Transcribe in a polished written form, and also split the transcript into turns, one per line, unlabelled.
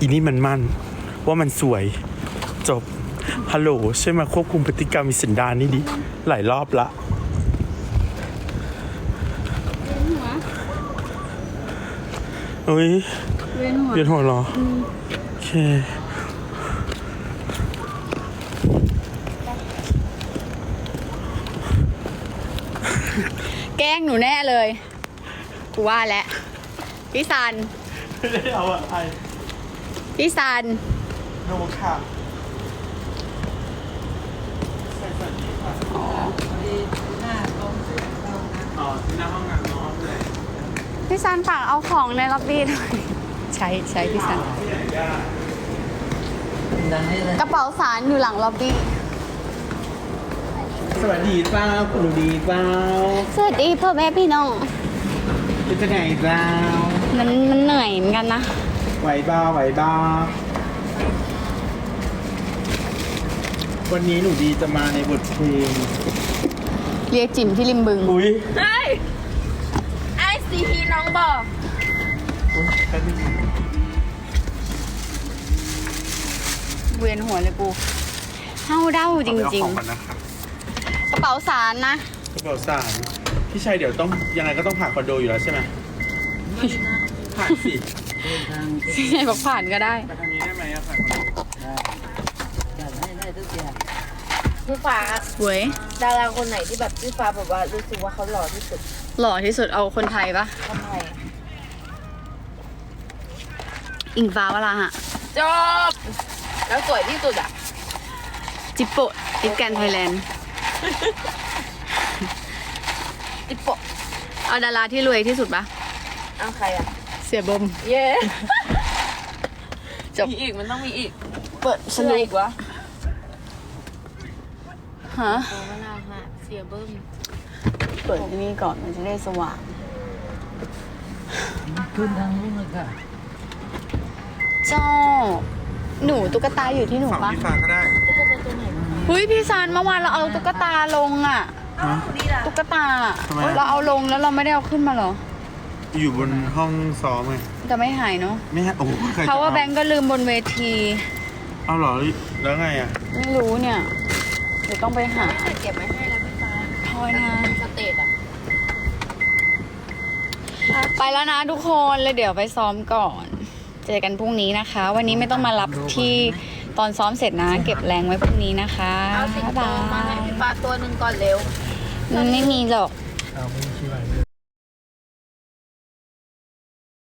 อีนี่มันมั่นว่ามันสวยจบฮัลโหลช่วยมาควบคุมพฤติกรรมมีสันดานนี่ดิหลายรอบละอุ้ยเวียนหัวเหรอโอเค
แกล้งหนูแน่เลยกูว่าแล้วพี่ซัน
ไม่ได้เอาอะไร
พี่ซัน
โนค่ะอ๋อที่หน้าห้องน้ำน้องเลย
พี่ซันฝากเอาของในล็อบบี้หน่อยใช่พี่ซันกระเป๋าสารอยู่หลังล็อบบี้
สวัสดีเปล่าคุณดูดีเปล่า
สวัสดีพ่อแม่พี่น้อง
เป็นจะไงเปล่า
มันเหนื่อยเหมือนกันนะ
ไหวบ้าไหวบ้าวันนี้หนูดีจะมาในบทเพลง
เรียกจิ๋มที่ริมบึง
อุ้ย
ไอ้ซีฮีน้องบอกเวียนหัวเลยกูเฮาเด้าจริง
ๆนะครับ
ๆ กระเป๋าสารนะ
กระเป๋าสารพี่ชัยเดี๋ยวต้องยังไงก็ต้องผ่านคอนโดอยู่แล้วใช่ไหมผ่านสิ
พี่ชายบอกผ่านก็ได้
ไปทางนี้ได้ไหมอะผ่านคอนโด
พี่ฟ้า
เว้ย
ดาราคนไหนที่แบบพี่ฟ้าแบบว่ารู้สึกว่าเขาหล่อที่สุด
หล่อที่สุดเอาคนไทยปะ
ทำไม
อิงฟ้าวราหะ
จบแล้วสวยที่สุดอ่ะ
จิปโปะจิปแกนไทยแลนด์
จิโปะ
เอาดาราที่รวยที่สุดปะ
เอาใครอ่ะ
เสียบม
เย้
จบ
มีอีกมันต้องมีอีก
เปิดส
ชื่อ
นุ
อะไร
ก
อีกวะ
ฮะ
โอเวลาฮะเสียเบิ้ม
เปิดที่นี่ก่อนมันจะได้สว่าง
ขึ้นทางนู้นเลยค่ะ
เจ้าหนูตุ๊กตาอยู่ที่หนู
ฝั่ง
ปะ
พี่ฟ้าก็ได้
เฮ้ยพี่ซันเมื่อวานเราเอาตุ๊กตาลงอ่ะ
ฮะ
ตุ๊กตา
ทำไมอะ
เราเอาลงแล้วเราไม่ได้เอาขึ้นมาเหรอ
อยู่บนห้องซ้อมไง
จะไม่หายเนาะ
ไม่ฮะโอ้โหใครจะ
เพราะว่าแบงก์ก็ลืมบนเวที
เอาเหรอแล้วไงอ่ะ
ไม่รู้เนี่ย เดี๋ยวต้องไปหา
ไม่เก็บไว้ให้แล้วพี่ฟ้า
ทอยนะ
สเตจอ่ะ
ไปแล้วนะทุกคนเลยเดี๋ยวไปซ้อมก่อน เจอกันพรุ่งนี้นะคะ วันนี้ไม่ต้องมารับที่ตอนซ้อมเสร็จนะ เก็บแรงไว้พรุ่งนี้นะคะ
เอาสิง
บ๊าย
โต
บา
มาให้
ย
พี่ฟ้าตัวหนึ่งก่อนเร็ว
มันไม่มีหรอก
เอา